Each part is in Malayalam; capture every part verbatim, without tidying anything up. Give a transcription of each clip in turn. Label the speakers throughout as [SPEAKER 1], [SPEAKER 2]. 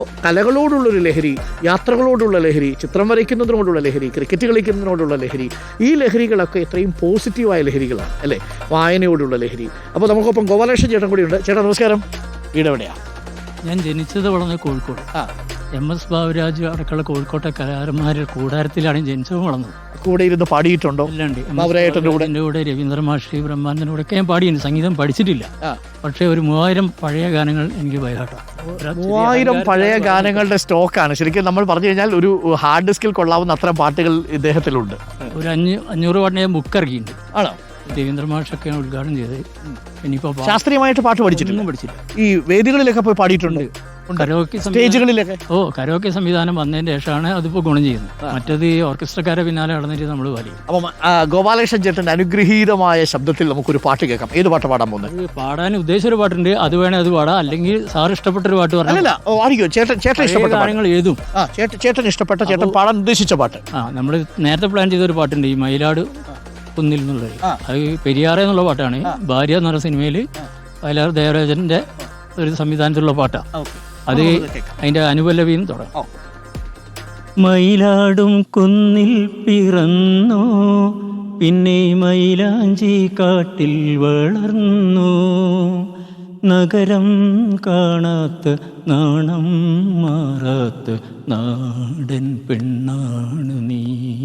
[SPEAKER 1] കലകളോടുള്ളൊരു ലഹരി, യാത്രകളോടുള്ള ലഹരി, ചിത്രം വരയ്ക്കുന്നതിനോടുള്ള ലഹരി, ക്രിക്കറ്റ് കളിക്കുന്നതിനോടുള്ള ലഹരി, ഈ ലഹരികളൊക്കെ എത്രയും പോസിറ്റീവായ ലഹരികളാണ് അല്ലേ? വായനയോടുള്ള ലഹരി. അപ്പോൾ നമുക്കൊപ്പം ഗോപാലകൃഷ്ണൻ ചേട്ടൻ കൂടിയുണ്ട്. ചേട്ടാ നമസ്കാരം. വീടെവിടെയാണ്?
[SPEAKER 2] ഞാൻ ജനിച്ചത് വളർന്നത് കോഴിക്കോട്.
[SPEAKER 1] ആ
[SPEAKER 2] എം എസ് ബാബുരാജ് അടക്കമുള്ള കോഴിക്കോട്ടെ കലാകാരന്മാരുടെ കൂടാരത്തിലാണ് ജനിച്ചതും വളർന്നത്.
[SPEAKER 1] കൂടെ ഇരുന്ന് പാടിയിട്ടുണ്ടോ?
[SPEAKER 2] അല്ലാണ്ട്
[SPEAKER 1] ബാബുരാജേട്ടൻ്റെ കൂടെ
[SPEAKER 2] എൻ്റെ കൂടെ രവീന്ദ്ര മാഷി ബ്രഹ്മാനന്ദൻ്റെ കൂടെ ഒക്കെ ഞാൻ പാടിയിട്ടുണ്ട്. സംഗീതം പഠിച്ചിട്ടില്ല, പക്ഷേ ഒരു മൂവായിരം പഴയ ഗാനങ്ങൾ എനിക്ക് ബൈഹാട്ടാണ്.
[SPEAKER 1] മൂവായിരം പഴയ ഗാനങ്ങളുടെ സ്റ്റോക്കാണ്. ശരിക്കും നമ്മൾ പറഞ്ഞു കഴിഞ്ഞാൽ ഒരു ഹാർഡ് ഡിസ്കിൽ കൊള്ളാവുന്ന അത്ര പാട്ടുകൾ ഇദ്ദേഹത്തിലുണ്ട്.
[SPEAKER 2] ഒരു അഞ്ഞൂ അഞ്ഞൂറ് പാട്ടിന് ഞാൻ ബുക്ക് ഇറക്കിയിട്ടുണ്ട്.
[SPEAKER 1] ആണോ?
[SPEAKER 2] രവീന്ദ്ര മാഷൊക്കെയാണ് ഉദ്ഘാടനം ചെയ്തത്. ഇനിയിപ്പോൾ
[SPEAKER 1] ശാസ്ത്രീയമായിട്ട് പാട്ട് പഠിച്ചിട്ടൊന്നും
[SPEAKER 2] പഠിച്ചില്ല.
[SPEAKER 1] ഈ വേദികളിലൊക്കെ പോയി പാടിയിട്ടുണ്ട്,
[SPEAKER 2] കരോക്കെ
[SPEAKER 1] സ്റ്റേജുകളിലൊക്കെ.
[SPEAKER 2] ഓ കരോക്കെ സംവിധാനം വന്നതിന് ശേഷമാണ് അതിപ്പോൾ ഗുണം ചെയ്യുന്നത്. മറ്റത് ഈ ഓർക്കസ്ട്രക്കാരെ പിന്നാലെ നടന്നിട്ട് നമ്മൾ പാടി.
[SPEAKER 1] അപ്പം ഗോപാലകൃഷ്ണൻ ചേട്ടൻ്റെ അനുഗ്രഹീതമായ ശബ്ദത്തിൽ നമുക്കൊരു പാട്ട് കേൾക്കാം. ഏത് പാട്ട് പാടാൻ പോകുന്നത്?
[SPEAKER 2] പാടാൻ ഉദ്ദേശിച്ചൊരു പാട്ടുണ്ട്, അത് വേണേ അത് പാടാം. അല്ലെങ്കിൽ സാർ ഇഷ്ടപ്പെട്ടൊരു പാട്ട് പറഞ്ഞില്ല.
[SPEAKER 1] ആയിരിക്കും ചേട്ടൻ ചേട്ടൻ ഇഷ്ടപ്പെട്ട
[SPEAKER 2] ഗാനങ്ങൾ ഏതും.
[SPEAKER 1] ആ ചേട്ടൻ ചേട്ടൻ ഇഷ്ടപ്പെട്ട ചേട്ടൻ പാടാൻ ഉദ്ദേശിച്ച പാട്ട്.
[SPEAKER 2] ആ നമ്മൾ നേരത്തെ പ്ലാൻ ചെയ്തൊരു പാട്ടുണ്ട്, ഈ മയിലാട് കുന്നിൽ എന്നുള്ളത്. അത് പെരിയാറെ എന്നുള്ള പാട്ടാണ്. ഭാര്യ എന്ന് പറഞ്ഞ സിനിമയിൽ വയലാർ ദേവരാജന്റെ ഒരു സംവിധാനത്തിലുള്ള പാട്ടാണ്. അത് അതിന്റെ അനുപല്ലവിയും തുടങ്ങും. മയിലാടും കുന്നിൽ പിറന്നു, പിന്നെ മയിലാഞ്ചി കാട്ടിൽ വളർന്നു, നഗരം കാണാത്ത നാണം മാറാത്ത നാടൻ പെണ്ണാണ് നീ.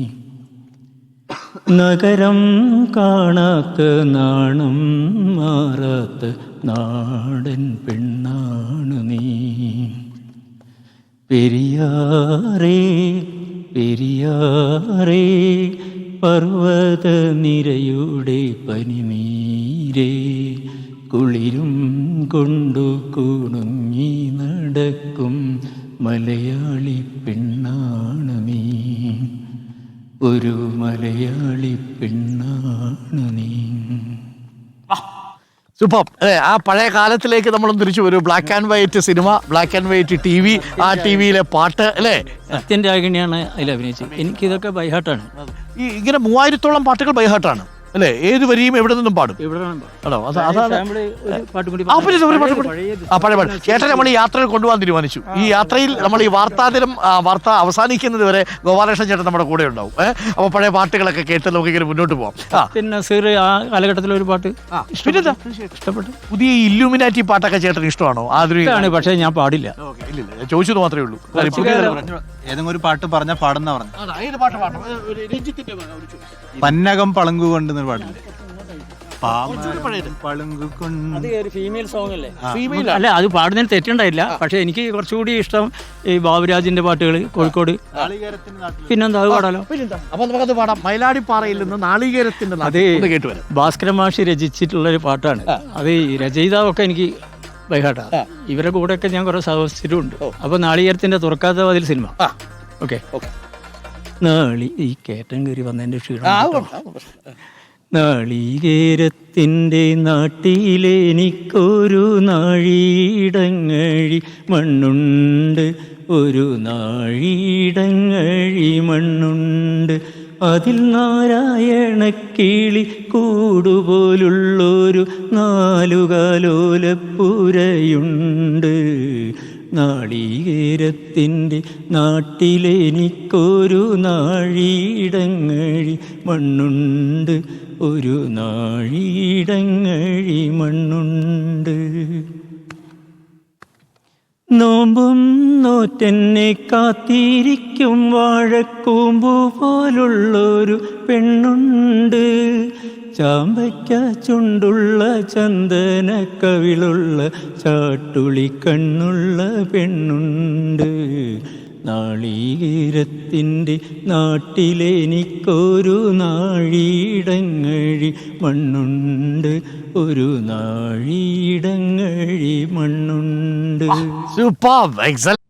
[SPEAKER 2] നഗരം കാണാത്ത നാണം മാറാത്ത നാടൻ പെണ്ണാണ് നീ. പെരിയാറേ പെരിയാറേ പർവ്വത നിരയുടെ പനിനീരേ, കുളിരും കൊണ്ടു കുണുങ്ങി നടക്കും മലയാളി പെണ്ണാണ് നീ. ഒരു മലയാളി പെണ്ണാണ് നീ.
[SPEAKER 1] സൂപ്പർ അല്ലേ? ആ പഴയ കാലത്തിലേക്ക് നമ്മളൊന്ന് തിരിച്ചു വരും. Black and white cinema, black and white T V, ആ ടി വിയിലെ പാട്ട് അല്ലേ?
[SPEAKER 2] സത്യൻ രാഗിണിയാണ് അതിൽ അഭിനയിച്ചത്. എനിക്കിതൊക്കെ ബൈഹാട്ടാണ്.
[SPEAKER 1] ഈ ഇങ്ങനെ മൂവായിരത്തോളം പാട്ടുകൾ ബൈഹാട്ടാണ് അല്ലേ? ഏത് വരിയും എവിടെ നിന്നും പാടും. ആണോ? പഴയ പാട്ട് ചേട്ടൻ നമ്മൾ ഈ യാത്രയിൽ കൊണ്ടുപോകാൻ തീരുമാനിച്ചു. ഈ യാത്രയിൽ നമ്മൾ ഈ വാർത്താദിനം വാർത്ത അവസാനിക്കുന്നത് വരെ ഗോപാലകൃഷ്ണൻ ചേട്ടൻ നമ്മുടെ കൂടെ ഉണ്ടാവും. അപ്പോൾ പഴയ പാട്ടുകളൊക്കെ കേട്ട് നമുക്ക് ഇങ്ങനെ മുന്നോട്ട് പോകാം.
[SPEAKER 2] പിന്നെ ആ കാലഘട്ടത്തിലൊരു പാട്ട് ഇഷ്ടപ്പെട്ടു.
[SPEAKER 1] പുതിയ ഇല്ലുമിനാറ്റി പാട്ടൊക്കെ ചേട്ടൻ ഇഷ്ടമാണോ?
[SPEAKER 2] ആധുനികമാണ്, പക്ഷേ ഞാൻ പാടില്ല.
[SPEAKER 1] ഇല്ല, ചോദിച്ചത് മാത്രമേ ഉള്ളൂ.
[SPEAKER 3] ഏതെങ്കിലും ഒരു പാട്ട് പറഞ്ഞ പാടുന്ന പറഞ്ഞു. പന്നകം പളങ്കു കൊണ്ട് പാടില്ലേ?
[SPEAKER 2] അല്ല, അത് പാടുന്നതിന് തെറ്റുണ്ടായില്ല. പക്ഷെ എനിക്ക് കുറച്ചുകൂടി ഇഷ്ടം ഈ ബാബുരാജിന്റെ പാട്ടുകൾ, കോഴിക്കോട്. പിന്നെന്താ, അത് പാടാലോ.
[SPEAKER 1] അപ്പൊ നമുക്കത് പാടാം. മയിലാടിപ്പാറയിൽ നിന്ന് നാളികേരത്തിന്റെ
[SPEAKER 2] അത് ഭാസ്കര മാഷി രചിച്ചിട്ടുള്ള ഒരു പാട്ടാണ്. അത് രചയിതാവൊക്കെ എനിക്ക് ബൈഹാട്ടാണ്. ഇവരുടെ കൂടെയൊക്കെ ഞാൻ കുറെ സഹവസിച്ചിട്ടുണ്ട്. അപ്പൊ നാളികേരത്തിന്റെ തുറക്കാത്ത വാതിൽ സിനിമ. ഓക്കെ നാളി ഈ കേട്ടൻ കയറി വന്നതിന്റെ ക്ഷീണം. നാളികേരത്തിൻ്റെ നാട്ടിലെനിക്കൊരു നാഴിയിടങ്ങഴി മണ്ണുണ്ട്, ഒരു നാഴിയിടങ്ങഴി മണ്ണുണ്ട്, അതിൽ നാരായണക്കിളി കൂടുപോലുള്ളൊരു നാലുകാലോലപ്പുരയുണ്ട്. നാളികേരത്തിൻ്റെ നാട്ടിലെനിക്കൊരു നാഴിയിടങ്ങഴി മണ്ണുണ്ട്, ഒരു നാഴിയിടങ്ങഴി മണ്ണുണ്ട്. നോമ്പും നോറ്റെന്നെ കാത്തിരിക്കും വാഴക്കൂമ്പു പോലുള്ളൊരു പെണ്ണുണ്ട്, ചാമ്പയ്ക്ക ചുണ്ടുള്ള ചന്ദന കവിളുള്ള ചാട്ടുളി കണ്ണുള്ള പെണ്ണുണ്ട്. നാളികേരത്തിൻ്റെ നാട്ടിലെനിക്കൊരു നാഴിയിടങ്ങഴി മണ്ണുണ്ട്, ഒരു നാഴിയിടങ്ങഴി മണ്ണുണ്ട്.
[SPEAKER 1] Super, excellent.